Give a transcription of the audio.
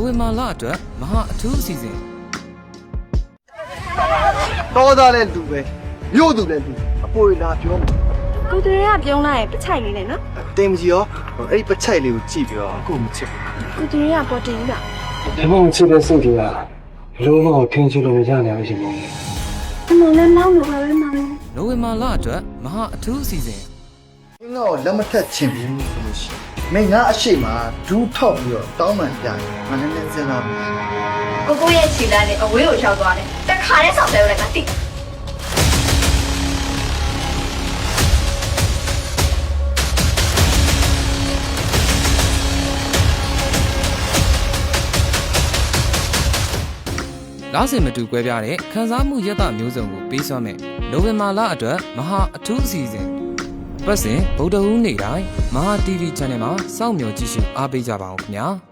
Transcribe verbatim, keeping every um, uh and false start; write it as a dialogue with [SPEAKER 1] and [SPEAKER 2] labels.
[SPEAKER 1] နိုဝင်ဘာလအတွက်မဟာအထူးအစီအစဉ်
[SPEAKER 2] တော်သားလည်းလူပဲမြို့သူလည်းလူအပေါ်လာပြောမှာ
[SPEAKER 3] ကိုတရေကပြုံးလိုက်ရင်ပချိုက်လေးနဲ့နော်
[SPEAKER 2] တင်မကြီးရောအဲ့ဒီပချိုက်လေးကိုကြည့်ပြီးတော့အခုမချစ်ဘူး
[SPEAKER 3] ကိုတရေကပေါ်တင်တာ
[SPEAKER 4] ဒီမောင်ချစ်တဲ့စိတ်တွေကလုံးဝထင်ချလို့မရနိုင်ဘူးရှင်မောင်
[SPEAKER 3] အမေလည်းနောက်လို့ပဲမောင်
[SPEAKER 1] နိုဝင်ဘာလအတွက်မဟာအထူးအစီအစဉ်
[SPEAKER 2] မင်းတော့လက်မထက်ချင်ဘူးဆိုလို့ရှိရင်မင်းငါအရှိမဒူးထောက်ပြီးတော့တောင်းပန်ပြရင်ငါလည်းလည်းစဉ်းစားမယ်
[SPEAKER 5] ကိုကိုရဲ့ခြေလမ်းနဲ့အဝေးကိုရောက်သွားတယ်တခါတည်းဆောက်တယ်လည်းငါသိ
[SPEAKER 1] လားစင်မတူကွဲပြားတဲ့ခန်းစားမှုရတမျိုးစုံကိုပေးစွမ်းမယ်နိုဝင်ဘာလအတွက်မဟာအထူးအစီအစဉ်ပတ်စဉ်ဗုဒ္ဓဟူးနေ့တိုင်းမဟာ တီဗီ channel မှာစောင့်မျှော်ကြည့်ရှုအားပေးကြပါဦးခင်ဗျာ